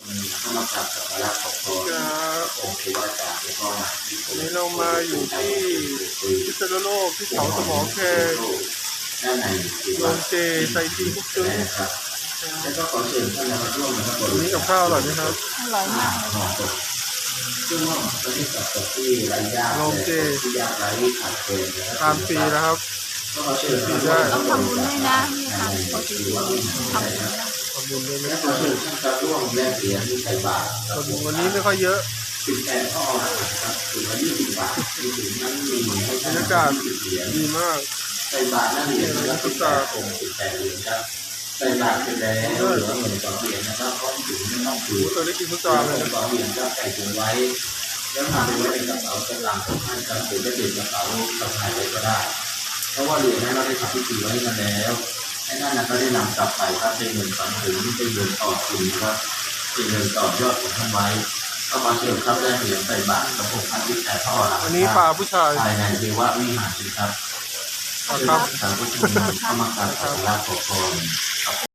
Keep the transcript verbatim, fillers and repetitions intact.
เข้ามากราบสักการะขอพรองค์เทวดาแล้วก็วันนี้เรามาอยู่ที่พิษณุโลกที่เขาสมอแขกด้านในโรงเจไซจีคุกซึ้งแล้วก็ขอเชิญท่านมาร่วมนะครับวันนี้กับข้าวอร่อยไหมครับอร่อยมากซึ่งว่าประเทศกับที่ไร้ญาติที่ยากไร้ขาดเกินทานฟรีนะครับก็ขอเชิญท่านได้ต้องทำบุญด้วยนะนี่ทำปกติทำบุญทำบุญด้วยนะและขอเชิญท่านมาร่วมแลกเหรียญที่ใส่บาตรวันนี้ไม่ค่อยเยอะสิบแปดข้อครับถึงวันยี่สิบบาทที่ถึงนั้นมีให้บรรยากาศดีมากใส่บาตรนั่นเหรียญละสิบแปดองค์สิบแปดเหรียญครับใส่บาตรเสร็จแล้วเหลือเงินสองเหรียญนะครับเพราะถึงไม่ต้องถือเคยได้กินพุทราเลยนะสองเหรียญก็ใส่ถุงไว้แล้วนำไปไว้ในกระเป๋าสตางค์ของท่านครับหรือจะติดกระเป๋าสะพายไว้ก็ได้เพราะว่าเหรียญนั้นเราได้ทำพิธีไว้กันแล้วไอ้นั่นนะก็ได้นำกลับไปครับเป็นเงินฝันถึงเป็นเงินต่อทุนนะครับเป็นเงินต่อยอดของท่านไว้ก็มาเชิญครับได้เหรียญใส่บาตรกับองค์พระที่แต่ท่อหลังอันนี้ปลาผู้ชายภายในเทววิหารครับครับสาธุชนเข้ามากราบสักการะขอพร